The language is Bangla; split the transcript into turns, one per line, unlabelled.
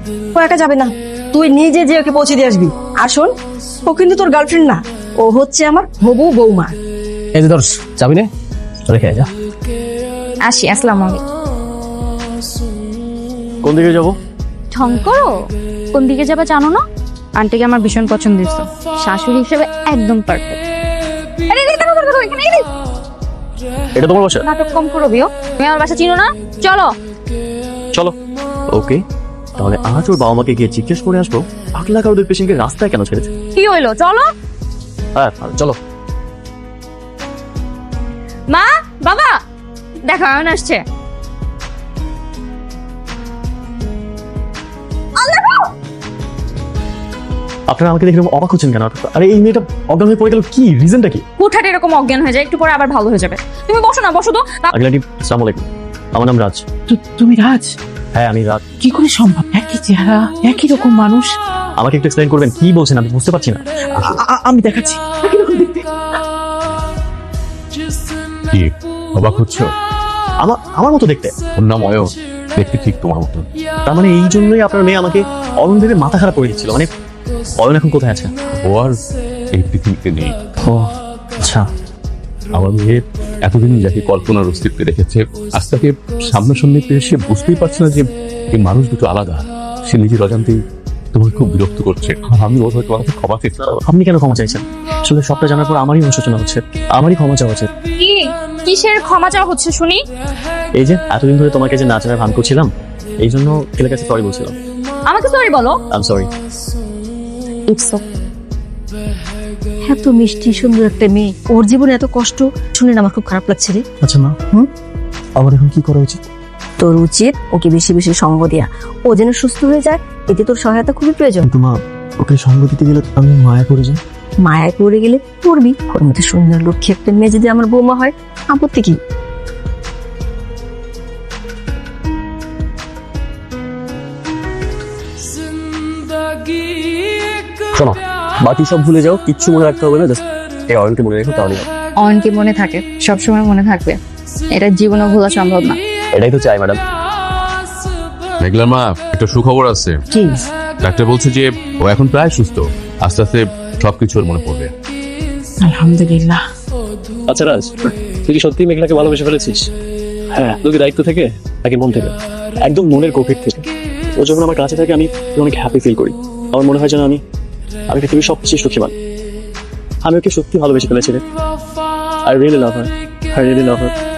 ও একা যাবে না, তুই নিজে যে ওকে পৌঁছে দিয়ে আসবি। আর শোন, ও কিন্তু তোর গার্লফ্রেন্ড না, ও হচ্ছে আমার হবু বৌমা।
এই যে ধরস, যাবি না? রেখে যা।
আসি, আসসালামু আলাইকুম।
কোন দিকে যাবো?
ঢং করো, কোন দিকে যাবে জানো না? আন্টিকে আমার ভীষণ পছন্দ হয়েছে, শাশুড়ি হিসেবে একদম পারফেক্ট।
এটা তোমার বাসা?
নাটক কম করো বিও, তুমি আমার বাসা চিনো না? চলো
চলো। ওকে, তাহলে আজ ওর বাবা মাকে গিয়ে জিজ্ঞেস করে আসবো পাগলা কারোদের পেশেন্টকে রাস্তায় কেন ছেড়েছে।
কি হইলো, চলো।
হ্যাঁ চলো।
মা, বাবা, দেখো আয়ন আসছে।
আপনারা আমাকে দেখে এরকম অবাক হচ্ছেন কেন? আরে এই মেয়েটা অজ্ঞান হয়ে পড়ে গেল, কি রিজনটা কি?
হুটহাট এরকম অজ্ঞান হয়ে যায়, একটু পরে আবার ভালো হয়ে যাবে। তুমি বসো না, বসো তো।
আগলাটি, আসসালামু আলাইকুম। আমার নাম রাজ।
তুমি রাজ?
হ্যাঁ আমি রাজ।
কি করে সম্ভব? একই চেহারা, একই রকম মানুষ।
আমাকে একটু এক্সপ্লেইন করবেন, কি বলছেন আমি বুঝতে পারছি না।
আমি দেখাচ্ছি। একই রকম দেখতে।
কি অবাক হচ্ছ?
আমার মতো দেখতে।
ওর নাম অয়ন, দেখতে ঠিক তোমার মতো।
তার মানে এই জন্যই আপনার মেয়ে আমাকে অরুণ ভেবে মাথা খারাপ করে দিচ্ছিল। মানে অয়ন এখন কোথায় আছে?
ও আর এই পৃথিবীতে নেই।
ও আচ্ছা।
আমার মেয়ে এতদিন যাকে কল্পনার অস্তিত্বে রেখেছে, আজ তাকে সামনাসামনি পেয়ে সে বুঝতেই পারছে না যে এই মানুষ দুটো আলাদা। সে নিজের অজান্তেই তোমাকে খুব বিরক্ত করছে। আমি বোধ হয় তোমাকে ক্ষমা চেয়েছি।
আপনি কেন ক্ষমা চাইছেন? আসলে সবটা জানার পর আমারই অনুশোচনা হচ্ছে, আমারই ক্ষমা চাওয়া উচিত।
কি কিসের ক্ষমা চাওয়া হচ্ছে শুনি?
এই যে এতদিন ধরে তোমাকে যে না চেনার ভান করছিলাম, এই জন্য ছেলের কাছে সরি বলছিলাম।
আমাকে সরি বলো।
I am sorry.
ইটস এত মিষ্টি সুন্দর একটা মেয়ে, ওর জীবনে এত কষ্ট শুনে না আমার খুব খারাপ লাগছে রে।
আচ্ছা মা, আমার এখন কি করা উচিত?
তোর উচিত ওকে বেশি বেশি সঙ্গ দেয়া, ও যেন সুস্থ হয়ে যায়, এতে তোর সহায়তা খুবই প্রয়োজন।
কিন্তু মা, ওকে সঙ্গ দিতে গেলে আমি মায়া করে যাই।
মায়ায় পড়ে গেলে পড়বি। ওর মধ্যে সুন্দর লক্ষ্মী একটা মেয়ে যদি আমার বৌমা হয়, আপত্তি কি?
শোনো, বাকি সব ভুলে যাও, কিচ্ছু মনে রাখতে হবে না, জাস্ট এই অয়নকে মনে রেখো, তাহলে হবে।
অয়নকে মনে থাকে, সবসময় মনে থাকবে, এটা জীবনে ভোলা সম্ভব না।
এটাই তো চাই ম্যাডাম।
মেঘলা মা, একটা সুখবর আছে।
কি?
ডাক্তার বলছে যে ও এখন প্রায় সুস্থ, আস্তে আস্তে সবকিছু ওর মনে পড়বে।
আলহামদুলিল্লাহ।
আচ্ছা রাজ, তুই কি সত্যি মেঘলাকে ভালোবেসে ফেলেছিস? হ্যাঁ, তোকে দায়িত্ব থেকে, নাকি মন থেকে? একদম মনের গভীর থেকে। ও যখন আমার কাছে থাকে আমি অনেক হ্যাপি ফিল করি। আমার মনে হয় যেন আমি পৃথিবীর সবচেয়ে সুখী মানুষ। আমি ওকে সত্যি ভালোবেসে ফেলেছি রে। I really love her, I really love her.